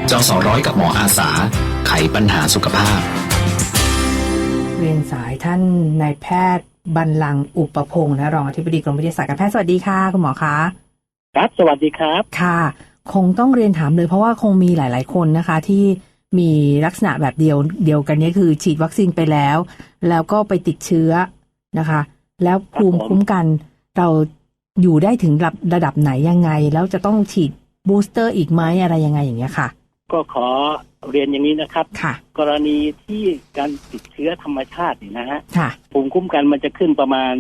จสร้อยกับหมออาสาไขปัญหาสุขภาพเรียนสายท่านนายแพทย์บรรลังก์อุปพงศ์นะรองอธิบดีกรมวิทยาศาสตร์การแพทย์สวัสดีค่ะคุณหมอคะครับสวัสดีครับค่ะคงต้องเรียนถามเลยเพราะว่าคงมีหลายๆคนนะคะที่มีลักษณะแบบเดียวกันนี้คือฉีดวัคซีนไปแล้วก็ไปติดเชื้อนะคะแล้วภูมิคุ้มกันเราอยู่ได้ถึงระดับไหนยังไงแล้วจะต้องฉีดบูสเตอร์อีกไหมอะไรยังไงอย่างเงี้ยค่ะก็ขอเรียนอย่างนี้นะครับค่ะกรณีที่การติดเชื้อธรรมชาตินี่นะฮะค่ะภูมิคุ้มกันมันจะขึ้นประมาณ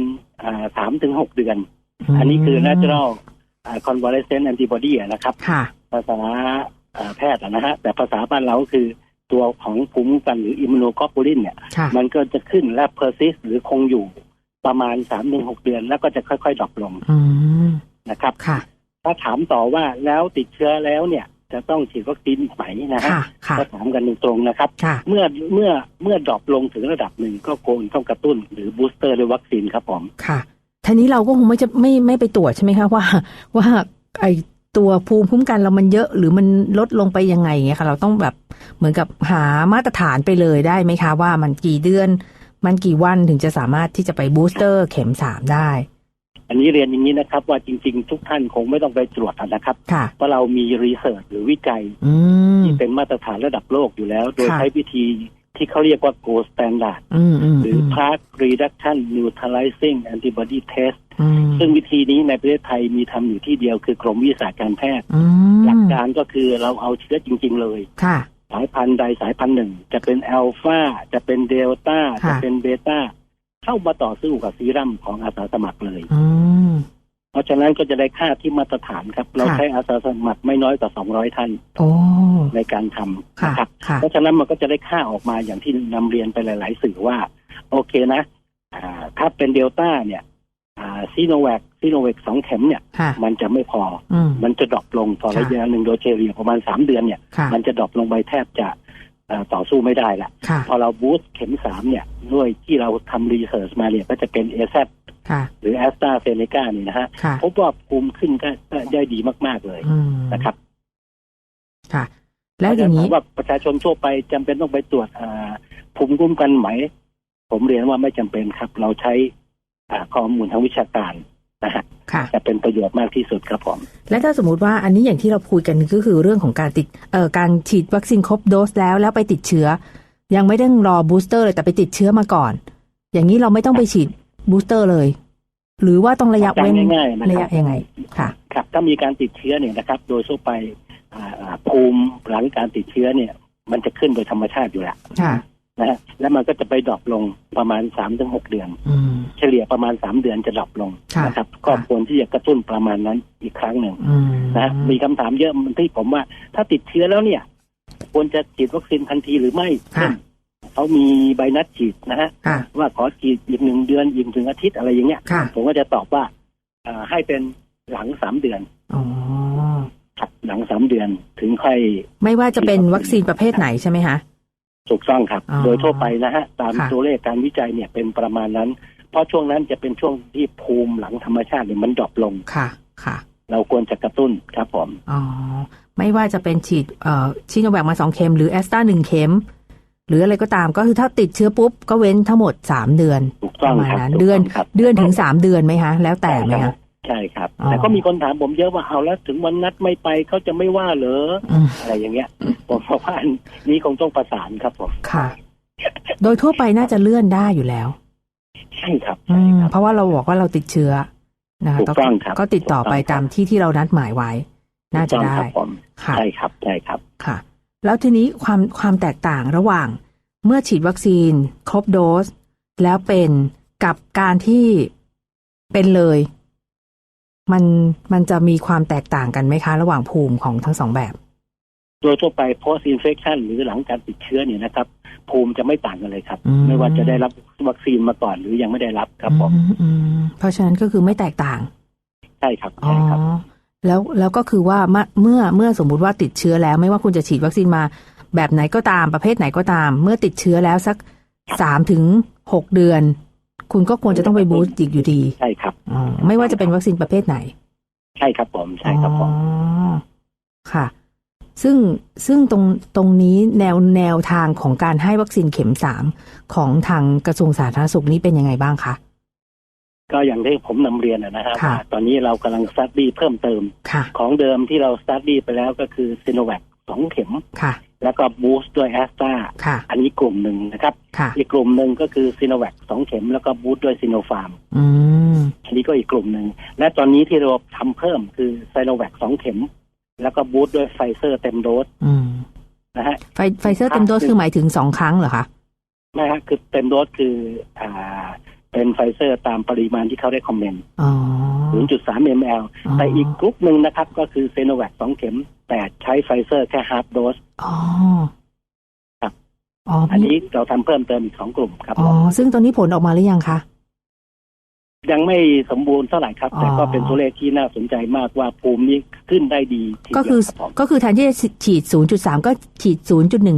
3-6 เดือนอันนี้คือ natural convalescent antibody นะครับค่ะภาษาแพทย์นะฮะแต่ภาษาบ้านเราคือตัวของภูมิคุ้มกันหรือ immunoglobulin เนี่ยมันก็จะขึ้นและ persist หรือคงอยู่ประมาณ3-6 เดือนแล้วก็จะค่อยๆดรอปลงนะครับถ้าถามต่อว่าแล้วติดเชื้อแล้วเนี่ยจะต้องฉีดวัคซีนอีกไหมนะฮะก็ถามกันตรงๆนะครับเมื่อดรอปลงถึงระดับหนึ่งก็ควรต้องกระตุ้นหรือบูสเตอร์ด้วยวัคซีนครับผมค่ะทีนี้เราก็คงไม่ไปตรวจใช่ไหมคะว่าไอตัวภูมิคุ้มกันเรามันเยอะหรือมันลดลงไปยังไงเงี้ยค่ะเราต้องแบบเหมือนกับหามาตรฐานไปเลยได้ไหมคะว่ามันกี่เดือนมันกี่วันถึงจะสามารถที่จะไปบูสเตอร์เข็ม3ได้อันนี้เรียนอย่างนี้นะครับว่าจริงๆทุกท่านคงไม่ต้องไปตรวจนะครับเพราะเรามีรีเสิร์ชหรือวิจัยที่เป็นมาตรฐานระดับโลกอยู่แล้วโดยใช้วิธีที่เขาเรียกว่า gold standard หรือ plaque reduction neutralizing antibody test ซึ่งวิธีนี้ในประเทศไทยมีทำอยู่ที่เดียวคือกรมวิทยาศาสตร์การแพทย์หลักการก็คือเราเอาเชื้อจริงๆเลยสายพันธุ์ใดสายพันธุ์หนึ่งจะเป็นอัลฟาจะเป็นเดลต้าจะเป็นเบต้าเข้ามาต่อสู้กับซีรั่มของอาสาสมัครเลยเพราะฉะนั้นก็จะได้ค่าที่มาตรฐานครับเราใช้อาสาสมัครไม่น้อยกว่า200 ท่านในการทำนะครับเพราะฉะนั้นมันก็จะได้ค่าออกมาอย่างที่นำเรียนไปหลายๆสื่อว่าโอเคนะถ้าเป็นเดลต้าเนี่ยซีโนแวค2 เข็มเนี่ยมันจะไม่พอมันจะดรอปลงต่อระยะหนึ่งโดยเฉลี่ยประมาณ3 เดือนเนี่ยมันจะดรอปลงไปแทบจะต่อสู้ไม่ได้ละพอเราบูสต์เข็ม3เนี่ยด้วยที่เราทำรีเสิร์ชมาเนี่ยก็จะเป็น AZ หรือ AstraZeneca นี่นะฮะพบว่าภูมิขึ้นก็ได้ดีมากๆเลยนะครับค่ะแล้วอย่างนี้ว่าประชาชนทั่วไปจำเป็นต้องไปตรวจภูมิคุ้มกันไหมผมเรียนว่าไม่จำเป็นครับเราใช้ข้อมูลทางวิชาการนะฮะจะเป็นประโยชน์มากที่สุดครับผมและถ้าสมมติว่าอันนี้อย่างที่เราคุยกันก็คือเรื่องของการฉีดวัคซีนครบโดสแล้วไปติดเชื้อยังไม่ต้องรอบูสเตอร์เลยแต่ไปติดเชื้อมาก่อนอย่างนี้เราไม่ต้องไปฉีดบูสเตอร์เลยหรือว่าต้องระยะเว้นระยะยังไงค่ะครับถ้ามีการติดเชื้อเนี่ยนะครับโดยทั่วไปภูมิหลังการติดเชื้อเนี่ยมันจะขึ้นโดยธรรมชาติอยู่แล้วนะแล้วมันก็จะไปดรอปลงประมาณ3-6 เดือนเฉลี่ยประมาณ3 เดือนจะดรอปลงนะครับก็ควรที่จะกระตุ้นประมาณนั้นอีกครั้งหนึ่งนะมีคำถามเยอะที่ผมว่าถ้าติดเชื้อแล้วเนี่ยควรจะฉีดวัคซีนทันทีหรือไม่เขามีใบนัดฉีดนะฮะว่าขอฉีดอีก1 เดือนอีกถึงอาทิตย์อะไรอย่างเงี้ยผมก็จะตอบว่าให้เป็นหลัง3 เดือนหลัง3 เดือนถึงค่อยไม่ว่าจะเป็นวัคซีนประเภทไหนใช่ไหมคะถูกต้องครับโดยทั่วไปนะฮะตามตัวเลขการวิจัยเนี่ยเป็นประมาณนั้นเพราะช่วงนั้นจะเป็นช่วงที่ภูมิหลังธรรมชาติเนี่ยมันดรอปลงค่ะเราควรจะกระตุ้นครับผมไม่ว่าจะเป็นฉีดชิโนแวคมา2 เข็มหรือแอสตรา1 เข็มหรืออะไรก็ตามก็คือถ้าติดเชื้อปุ๊บก็เว้นทั้งหมด3 เดือนประมาณนั้นเดือนถึง3 เดือนไหมคะแล้วแต่ไหมคะใช่ครับแต่ก็มีคนถามผมเยอะว่าเอาแล้วถึงวันนัดไม่ไปเขาจะไม่ว่าเหรออะไรอย่างเงี้ยผมว่านี้คงต้องประสานครับผมค่ะโดยทั่วไปน่าจะเลื่อนได้อยู่แล้วใช่ครับเพราะว่าเราบอกว่าเราติดเชื้อนะคะก็ติดต่อไปตามที่เรานัดหมายไว้น่าจะได้ค่ะใช่ครับใช่ครับค่ะแล้วทีนี้ความแตกต่างระหว่างเมื่อฉีดวัคซีนครบโดสแล้วเป็นกับการที่เป็นเลยมันจะมีความแตกต่างกันไหมคะระหว่างภูมิของทั้ง2 แบบโดยทั่วไป post infection หรือหลังการติดเชื้อเนี่ยนะครับภูมิจะไม่ต่างกันเลยครับไม่ว่าจะได้รับวัคซีนมาก่อนหรือยังไม่ได้รับครับผมเพราะฉะนั้นก็คือไม่แตกต่างใช่ครับใช่ครับแล้วก็คือว่าเมื่อสมมุติว่าติดเชื้อแล้วไม่ว่าคุณจะฉีดวัคซีนมาแบบไหนก็ตามประเภทไหนก็ตามเมื่อติดเชื้อแล้วสัก3-6 เดือนคุณก็ควรจะต้องไปบูสต์อีกอยู่ดีใช่ครับไม่ว่าจะเป็นวัคซีนประเภทไหนใช่ครับผมใช่ครับผมค่ะซึ่งตรงนี้แนวทางของการให้วัคซีนเข็ม3ของทางกระทรวงสาธารณสุขนี้เป็นยังไงบ้างคะก็อย่างที่ผมนำเรียนนะครับตอนนี้เรากำลังสตั๊ดดี้เพิ่มเติมของเดิมที่เราสตั๊ดดี้ไปแล้วก็คือซิโนแวค2 เข็มแล้วก็บูสต์ด้วยแอสตราอันนี้กลุ่มหนึ่งนะครับอีกกลุ่มหนึ่งก็คือซิโนแวค2 เข็มแล้วก็บูสต์ด้วยซิโนฟาร์มอันนี้ก็อีกกลุ่มหนึ่งและตอนนี้ที่เราทำเพิ่มคือซิโนแวค2 เข็มแล้วก็บูสต์ด้วยไฟเซอร์เต็มโดสนะฮะไฟเซอร์เต็มโดสคือหมายถึง2 ครั้งเหรอคะไม่ฮะคือเต็มโดสคือเป็นไฟเซอร์ตามปริมาณที่เขาได้คอมเมนต์ 0.3 ml แต่อีกกลุ่มหนึ่งนะครับก็คือซีโนแวค2 เข็มแต่ใช้ไฟเซอร์แค่ฮาล์ฟโดสครับอันนี้เราทำเพิ่มเติมอีก2 กลุ่มครับซึ่งตอนนี้ผลออกมาหรือยังคะยังไม่สมบูรณ์เท่าไหร่ครับแต่ก็เป็นตัวเลขที่น่าสนใจมากว่าภูมินี้ขึ้นได้ดีก็คือแทนที่จะฉีด 0.3 ก็ฉีด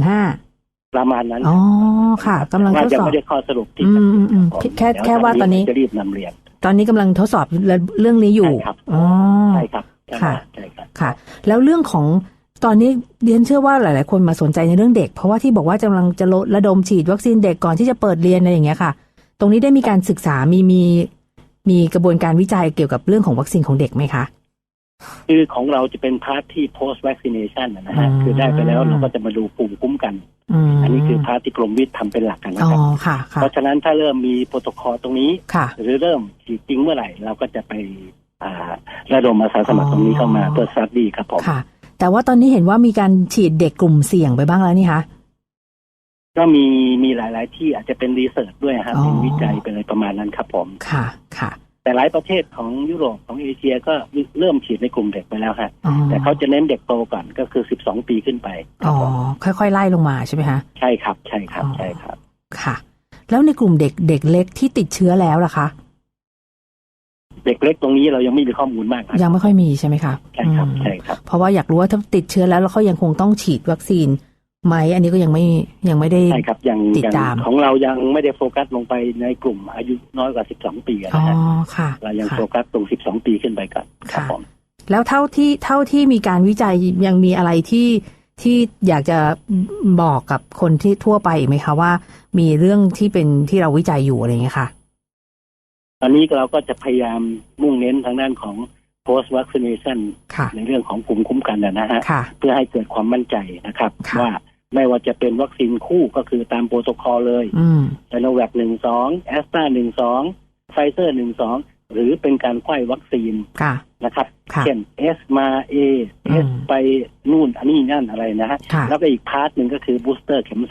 0.15 ประมาณนั้นค่ะกำลังทดสอบไม่ได้ข้อสรุปที่แค่ว่าตอนนี้จะรีบนำเรียนตอนนี้กำลังทดสอบเรื่องนี้อยู่ใช่ครับค่ะแล้วเรื่องของตอนนี้เรียนเชื่อว่าหลายๆคนมาสนใจในเรื่องเด็กเพราะว่าที่บอกว่ากำลังจะระดมฉีดวัคซีนเด็กก่อนที่จะเปิดเรียนอะไรอย่างเงี้ยค่ะตรงนี้ได้มีการศึกษามีกระบวนการวิจัยเกี่ยวกับเรื่องของวัคซีนของเด็กไหมคะคือของเราจะเป็นพาร์ทที่ post vaccination นะฮะคือได้ไปแล้วเราก็จะมาดูภูมิคุ้มกันอันนี้คือพาร์ทที่กรมวิทย์ทำเป็นหลักกันนะครับเพราะฉะนั้นถ้าเริ่มมีโปรโตคอลตรงนี้หรือเริ่มฉีดจริงเมื่อไหร่เราก็จะไประดมอาสาสมัครตรงนี้เข้ามาเพื่อสตั๊ดดี้ครับผมค่ะแต่ว่าตอนนี้เห็นว่ามีการฉีดเด็กกลุ่มเสี่ยงไปบ้างแล้วนี่คะก็มีหลายๆที่อาจจะเป็นรีเสิร์ชด้วยครับเป็นวิจัยเป็นอะไรประมาณนั้นครับผมค่ะแต่หลายประเทศของยุโรปของเอเชียก็เริ่มฉีดในกลุ่มเด็กไปแล้วฮะแต่เขาจะเน้นเด็กโตก่อนก็คือ12 ปีขึ้นไปค่อยๆไล่ลงมาใช่ไหมคะใช่ครับค่ะแล้วในกลุ่มเด็กเล็กที่ติดเชื้อแล้วล่ะคะเด็กเล็กตรงนี้เรายังไม่มีข้อมูลมากยังไม่ค่อยมีใช่ไหมครับใช่ครับเพราะว่าอยากรู้ว่าถ้าติดเชื้อแล้วเขายังคงต้องฉีดวัคซีนไหมอันนี้ก็ยังไม่ได้ใช่ครับยังติดตามของเรายังไม่ได้โฟกัสลงไปในกลุ่มอายุน้อยกว่า12 ปีนะฮะเรายังโฟกัสตรง12 ปีขึ้นไปก่อนครับผมแล้วเท่าที่มีการวิจัยยังมีอะไรที่อยากจะบอกกับคนที่ทั่วไปไหมคะว่ามีเรื่องที่เราวิจัยอยู่อะไรอย่างเงี้ยค่ะตอนนี้เราก็จะพยายามมุ่งเน้นทางด้านของ post vaccination ในเรื่องของภูมิคุ้มกันนะฮะเพื่อให้เกิดความมั่นใจนะครับว่าไม่ว่าจะเป็นวัคซีนคู่ก็คือตามโปรโตคอลเลยไซโนแวค1-2แอสตรา1-2ไฟเซอร์1-2หรือเป็นการไขว้วัคซีนนะครับเช่น S มา A S ไปนู่นอันนี้นั่นอะไรนะฮะแล้วก็อีกพาร์ทหนึ่งก็คือบูสเตอร์เข็ม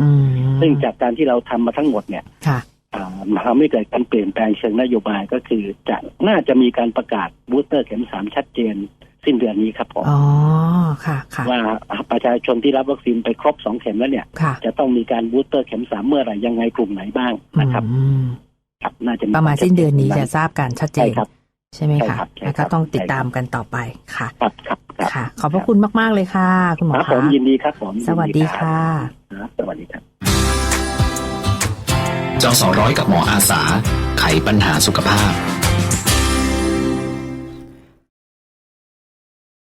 3ซึ่งจากการที่เราทำมาทั้งหมดเนี่ยทำให้เกิดการเปลี่ยนแปลงเชิงนโยบายก็คือน่าจะมีการประกาศบูสเตอร์เข็ม3ชัดเจนสิ้นเดือนนี้ครับผมว่าประชาชนที่รับวัคซีนไปครบ2 เข็มแล้วเนี่ยจะต้องมีการบูสเตอร์เข็ม3เมื่อไหร่ยังไงกลุ่มไหนบ้างนะครับน่าจะประมาณสิ้นเดือนนี้จะทราบกันชัดเจนใช่ไหมคะแล้วก็ต้องติดตามกันต่อไปค่ะค่ะขอบพระคุณมากๆเลยค่ะคุณหมอครับผมยินดีครับผมสวัสดีค่ะสวัสดีครับจส.ร้อยกับหมออาสาไขปัญหาสุขภาพ